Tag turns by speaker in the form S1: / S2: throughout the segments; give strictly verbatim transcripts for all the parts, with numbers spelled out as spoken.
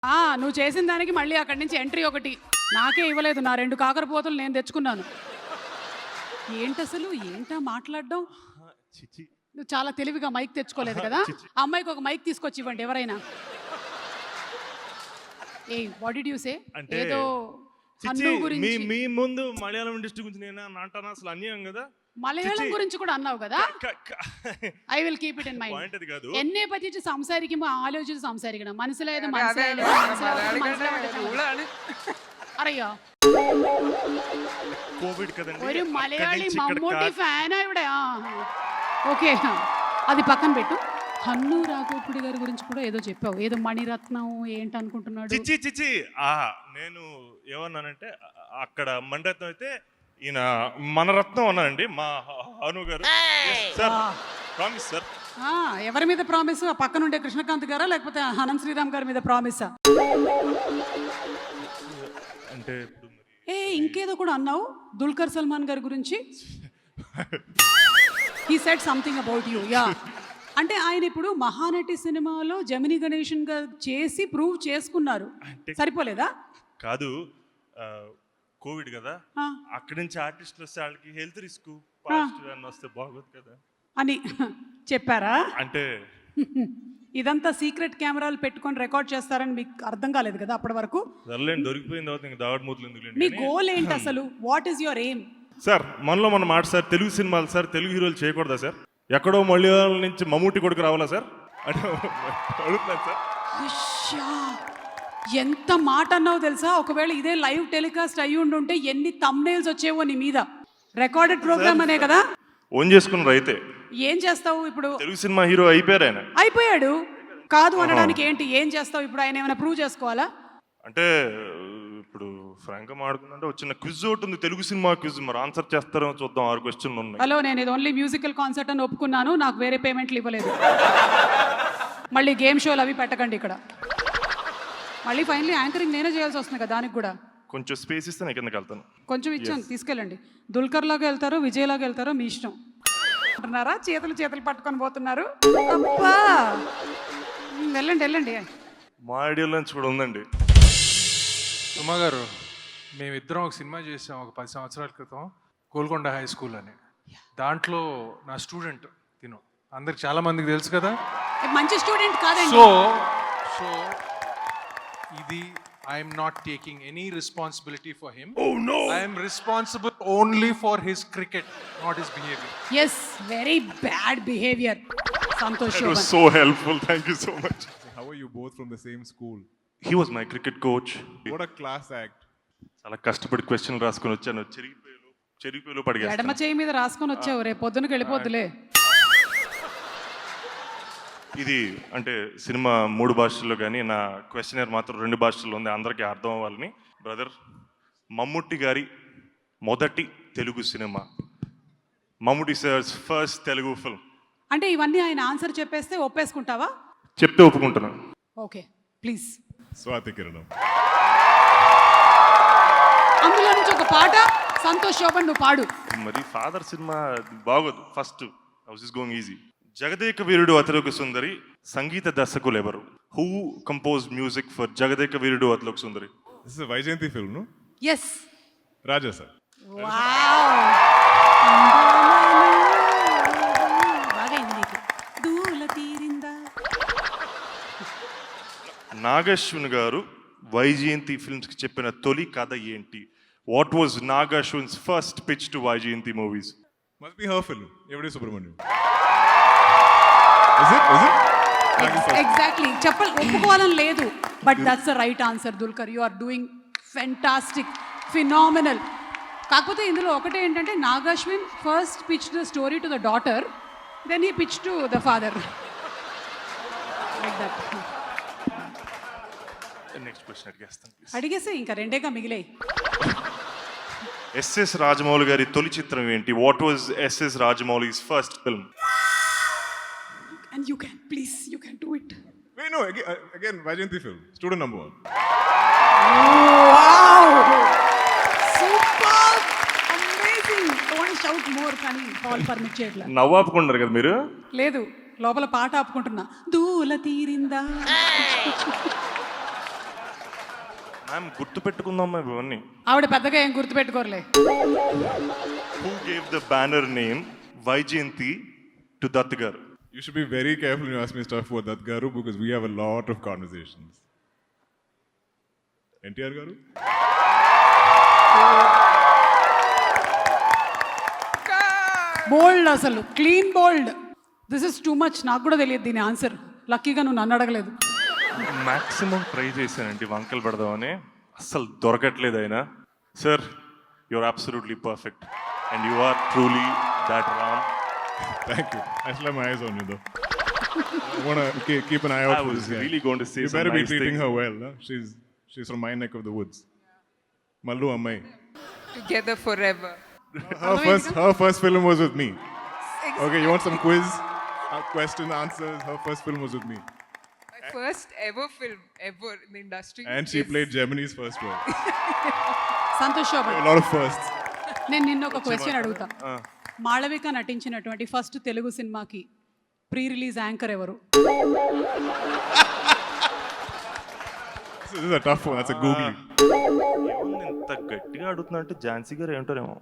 S1: ఆ నువ్వు చేసిన దానికి మళ్ళీ అక్కడి నుంచి ఎంట్రీ ఒకటి నాకే ఇవ్వలేదు. నా రెండు కాకరపోతలు నేను తెచ్చుకున్నాను. ఏంటి అసలు ఏంటా మాట్లాడడం?
S2: చిచి
S1: నువ్వు చాలా తెలివిగా మైక్ తెచ్చుకోలేదు కదా. ఆ అమ్మాయికి ఒక మైక్ తీసుకొచ్చి ఇవ్వండి ఎవరైనా. ఏ వాట్ డిడ్ యు సే? ఏదో
S2: చిచి మీ మీ ముందు మలయాళం ఇండస్ట్రీ గురించి నేను అంటానా? అసలు అన్యాయం కదా.
S1: മലയാളം കുറിച്ച് കൂടെ അന്നാവ് కదా. I will keep it in mind. എന്നെ പറ്റിയിട്ട് സംസാരിക്കുമ്പോൾ ആലോചിച്ച് സംസാരിക്കണം. മനസ്സിലായത് മനസ്സിലായത് അറിയോ? ഒരു മലയാളി മമ്മൂട്ടി ഫാനാ ഇവിടെ. ఓకే అది పక్కన పెట్టు. హన్ను రాఘోపుడి గారి గురించి కూడా ఏదో చెప్పావు. ఏదో మణిరత్నం ఏంటి అనుకుంటున్నాడు?
S2: చిచి చిచి ఆ నేను ఏమన్నానంటే అక్కడ మణిరత్నం అయితే ఈయన మన రత్నం అన్నానండి మా Anu garu. Sir promise sir.
S1: ఎవరి మీద ప్రామిస్? ఆ పక్కన ఉండే కృష్ణకాంత్ గారా లేకపోతే అనంత్ శ్రీరామ్ గారి మీద ప్రామిసా?
S2: అంటే
S1: ఏ ఇంకేదో కూడా అన్నావు దుల్కర్ సల్మాన్ గారి గురించి. He said something about you. Yeah అంటే ఆయన ఇప్పుడు మహానటి సినిమాలో జమిని గణేషన్ గా చేసి ప్రూవ్ చేసుకున్నారు. సరిపోలేదా?
S2: కాదు కోవిడ్ కదా, అక్కడి నుంచి ఆర్టిస్టులు వస్తే వాళ్ళకి హెల్త్ రిస్క్ పాజిటివ్ వస్తే బాగోదు కదా
S1: అని చెప్పారా?
S2: అంటే
S1: ఇదంతా సీక్రెట్ కెమెరాలు పెట్టుకొని రికార్డ్ చేస్తారని మీకు అర్థం కాలేదు కదా అప్పటి వరకు?
S2: దొరికిపోయిన తర్వాత ఇంకా దావడ్ మూతలు ఎందుకు?
S1: మీ గోల్ ఏంటి అసలు? What is your aim?
S2: Sir మనలో మన మాట సార్, తెలుగు సినిమాలు సార్, తెలుగు హీరోలు చేయకూడదా సార్? ఎక్కడో మలయాళం నుంచి మమ్మూటి కొడుకు రావాలా సార్ అంటే అడుగుతున్నాను సార్.
S1: ఎంత మాట అన్నావు తెలుసా? ఒకవేళ ఇదే లైవ్ టెలికాస్ట్ అయ్యి ఉండుంటే ఎన్ని థంబ్నెయిల్స్ వచ్చేవో నీ మీద. రికార్డెడ్ ప్రోగ్రామ్ అనే కదా
S2: ఓన్ చేసుకున్నారు. అయితే
S1: ఏం చేస్తావు ఇప్పుడు?
S2: తెలుగు సినిమా హీరో అయిపోయారు ఆయన.
S1: అయిపోయాడు కాదు అనడానికి ఏంటి? ఏం చేస్తావు ఇప్పుడు? ఆయన ఏమైనా ప్రూవ్ చేసుకోవాలా?
S2: అంటే ఇప్పుడు ఫ్రాంక్గా మాట్లాడుకుంటే వచ్చిన క్విజ్ ఒకటి ఉంది, తెలుగు సినిమా క్విజ్. మరి ఆన్సర్ చేస్తారో చూద్దాం. ఆరు క్వశ్చన్లు ఉన్నాయి.
S1: హలో, నేను ఇది ఓన్లీ మ్యూజికల్ కాన్సర్ట్ అని ఒప్పుకున్నాను. నాకు వేరే పేమెంట్లు ఇవ్వలేదు. మళ్ళీ గేమ్ షోలు అవి పెట్టకండి ఇక్కడ. మళ్ళీ ఫైనలీ యాంకరింగ్ నేనే చేయాల్సి వస్తుంది కదా దానికి కూడా.
S2: కొంచెం స్పేస్ ఇస్తే నేను కిందకి వెళ్తాను.
S1: కొంచెం ఇచ్చాను, తీసుకెళ్ళండి. దుల్కర్ లాగా వెళ్తారో విజయ్ లాగా వెళ్తారో మీ ఇష్టం. అంటున్నారా? చేతులు చేతులు పట్టుకొని పోతున్నారు. అబ్బా వెళ్ళండి వెళ్ళండి.
S2: మా ఐడియాలో నుంచి కూడా ఉందండి.
S3: సుమా గారు, మేమిద్దరం ఒక సినిమా చేసాం ఒక పది సంవత్సరాల క్రితం, గోల్కొండ హై స్కూల్ అని. దాంట్లో నా స్టూడెంట్ తిను అందరికి చాలా మందికి తెలుసు కదా.
S1: మంచి స్టూడెంట్ కాదండి.
S3: సో సో ఇది I'm not taking any responsibility for him. I'm responsible only for his cricket, not his behaviour.
S1: Yes, very bad behaviour. Santosh
S2: That was so helpful. Thank you so much.
S4: How are you both from the same school?
S2: He was my cricket coach.
S4: What a class act.
S2: చాలా కష్టపడి question రాసుకొని వచ్చాను. చెరిగిపోయాలు చెరిగిపోయాలు పడిగా
S1: ఎడమ చేయి మీద రాసుకొని వచ్చావు. రేపు పొద్దునకి వెళ్ళిపోద్దులే.
S2: ఇది అంటే సినిమా మూడు భాషల్లో కానీ నా క్వశ్చనర్ మాత్రం రెండు భాషల్లో ఉంది, అందరికీ అర్థం అవ్వాలని. బ్రదర్, మమ్ముట్టి గారి మొదటి Telugu cinema, Mammootty sir's first Telugu film.
S1: అంటే ఇవన్నీ ఆయన ఆన్సర్ చెప్పేస్తే ఒప్పేసుకుంటావా?
S2: చెప్తే ఒప్పుకుంటున్నాను.
S1: Okay please.
S4: స్వాతి కిరణం.
S1: అందులో నుంచి ఒక పాట సంతోష్ శోభన్ నువ్వు పాడు.
S2: మరి ఫాదర్ సినిమా బాగోదు. First house is going easy. Jagadeka Veerudu Athiloka Sundari సంగీత దర్శకులు ఎవరు? Who compose music for Jagadeka Veerudu Athiloka Sundari?
S4: This is a Vaijayanti film, no?
S1: Yes.
S4: Raja sir.
S1: Wow. బాగైంది నీకు. దూల తీరిందా.
S2: నాగశ్విన్ గారు వైజయంతి ఫిల్మ్స్ కి చెప్పిన తొలి కథ ఏంటి? What was Nag Ashwin's first pitch to Vyjayanthi movies?
S4: Must be her film. Every Subramaniam. Is it? Is it?
S1: Exactly. చెప్పాలి, ఒప్పుకోవాలని లేదు, but that's the right answer. Dulquer, you are doing fantastic, phenomenal. కాకపోతే ఇందులో ఒకటే ఏంటంటే Nag Ashwin first pitch the story to the daughter, then he pitch to the father. Like that.
S2: Next question అడిగేస్తాను please.
S1: అడిగేస్తే ఇంకా రెండేగా మిగిలాయి.
S2: ఎస్ఎస్ రాజమౌళి గారి తొలి చిత్రం ఏంటి? What was SS Rajamouli's first film?
S1: And you can, please, you can do it.
S4: Wait, no. Again, uh, again Vaijayanti film. Student number one.
S1: Wow! Super! Amazing! Don't shout more, కానీ call permit చేయట్లా.
S2: నవ్వు ఆపుకుంటారు కదా మీరు?
S1: లేదు, లోపల పాట ఆపుకుంటున్నా. దూల తీరిందా.
S2: Ma'am గుర్తు పెట్టుకుందాం ఇవన్నీ.
S1: ఆవిడ పెద్దగా ఏం గుర్తుపెట్టుకోరలే.
S2: Who gave the banner name Vyjayanthi to Dutt garu?
S4: You should be very careful when you ask me stuff about that Garu because we have a lot of conversations. N T R Garu?
S1: Bold అసలు clean bold. This is too much. నాకు కూడా తెలియదు దీని answer. లక్కీగా నువ్వు నన్ను అడగలేదు.
S2: Maximum try చేశానండి వంకలు పెడదామని, అస్సలు దొరకట్లేదు అయినా. Sir you are absolutely perfect and you are truly that Ram.
S4: Thank you. I still have my eyes on you though. I want to keep, keep an eye out
S2: I
S4: for
S2: was
S4: this guy.
S2: really going to say
S4: You
S2: some
S4: better be
S2: nice
S4: treating
S2: things.
S4: her well. Huh? She's she's from my neck of the woods. Mallu Ammai.
S5: Together forever.
S4: Her first her first film was with me. Okay, you want some quiz? Uh, question answers. Her first film was with me,
S5: My first ever film ever in the industry.
S4: and she
S5: is-
S4: played Gemini's first role.
S1: Santosh Shobhan,
S4: A lot of firsts.
S1: నేను నిన్న ఒక question అడుగుతా. మాళవిక నటించినటువంటి first Telugu సినిమాకి pre release anchor ఎవరు?
S4: This is a tough one. That's a googly.
S2: ఏముంది ఇంత గట్టిగా అడుగుతున్నా అంటే ఝాన్సీ గారు ఏంటారేమో.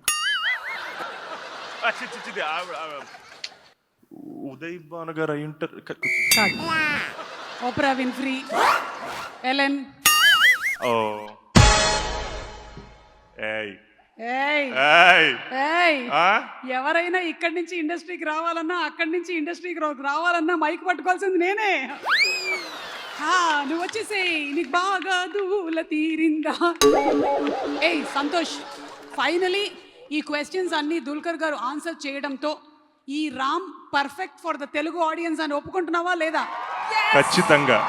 S2: ఆ, చి, చి, చిది, ఆవిడ, ఆవిడ. ఉదయ్ భాను గారు అయి ఉంటారు. క-
S1: కాదు. ఓప్రా విన్ఫ్రీ, ఎలెన్.
S2: ఓ ఏయ్
S1: ఏయ్
S2: ఏయ్
S1: ఏయ్
S2: ఆ?
S1: ఎవరైనా ఇక్కడి నుంచి ఇండస్ట్రీకి రావాలన్నా అక్కడి నుంచి ఇండస్ట్రీకి రా- రావాలన్నా మైక్ పట్టుకోవాల్సింది నేనే. ఆ, నువ్వు వచ్చేసేయ్, నీకు బాగా దూల తీరిందా. ఏయ్ సంతోష్, ఫైనలీ ఈ క్వశ్చన్స్ అన్ని దుల్కర్ గారు ఆన్సర్ చేయడంతో ఈ Ram perfect for the Telugu audience అని ఒప్పుకుంటున్నావా లేదా?
S2: ఖచ్చితంగా.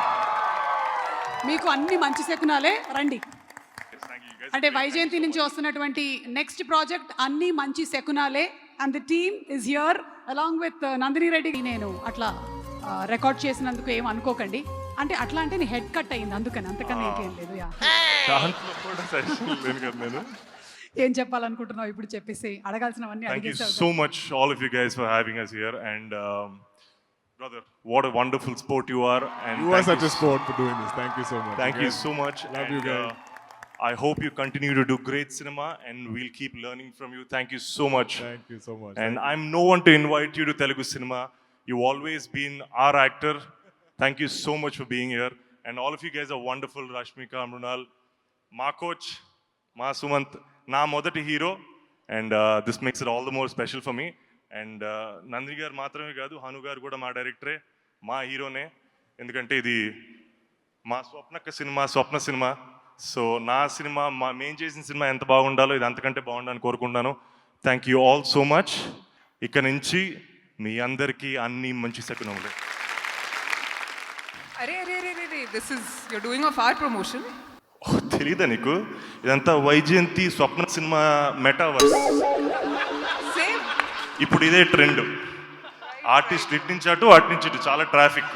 S1: మీకు అన్ని మంచి శకునాలే. రండి. అంటే వైజయంతి నుంచి వస్తున్నటువంటి నెక్స్ట్ ప్రాజెక్ట్ అన్ని మంచి శకునాలే. And the team is here along with Nandini Reddy. నేను అట్లా రికార్డ్ చేసినందుకు ఏం అనుకోకండి. అంటే అట్లా అంటే నీ హెడ్ కట్ అయింది అందుకని, అంతకన్నా ఇంకేం లేదు. యా,
S2: దాంట్లో కూడా సజెషన్ లేను కదా నేను.
S1: ఏం చెప్పాలనుకుంటున్నావు ఇప్పుడు చెప్పేసి, అడగాల్సినవన్నీ
S2: Thank you
S1: అడిగేసావు.
S2: so much, all of you guys, for having us here. And um, brother, what a wonderful sport you are. And
S4: You are
S2: thank
S4: such
S2: you
S4: a sport for doing this. Thank you so much.
S2: Thank you
S4: Again,
S2: so much.
S4: Love
S2: and,
S4: you guys.
S2: uh, I hope you continue to do great cinema, and we'll keep learning from you. Thank you so much.
S4: Thank you so much.
S2: And I'm no one to invite you to Telugu cinema. You've always been our actor. Thank you so much for being here. And all of you guys are wonderful. Rashmika, Mrunal, ma coach, ma Sumant, na modati hero. And uh, this makes it all the more special for me. And uh, Nandini garu మాత్రమే కాదు, హను గారు కూడా మా డైరెక్టరే, మా హీరోనే. ఎందుకంటే ఇది మా స్వప్నక సినిమా, స్వప్న సినిమా. సో నా సినిమా, మా మేం చేసిన సినిమా ఎంత బాగుండాలో ఇది అంతకంటే బాగుండాలని కోరుకుంటున్నాను. Thank you all so much. ఇక నుంచి మీ అందరికీ అన్ని మంచి శకునములే.
S5: Arey, arey, arey, arey, this is, you're doing a far promotion.
S2: ఓ, తెలీదా నీకు? ఇదంతా Vyjayanthi Swapna cinema metaverse.
S5: Same.
S2: ఇప్పుడు ఇదే ట్రెండ్. ఆర్టిస్ట్ ఇటు నుంచి అటు, అటు నుంచి ఇటు, చాలా ట్రాఫిక్.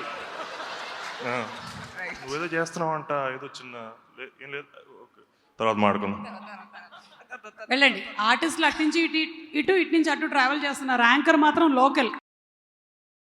S5: Right.
S2: నువ్వేదో చేస్తున్నావు అంట, ఏదో చిన్న లే- ఏం లేదు, ఓకే, తర్వాత మాట్లాడుకుందాం.
S1: వెళ్ళండి. ఆర్టిస్టులు అటు నుంచి ఇటు ఇటు ఇటు నుంచి అటు ట్రావెల్ చేస్తున్నారు. యాంకర్ మాత్రం లోకల్.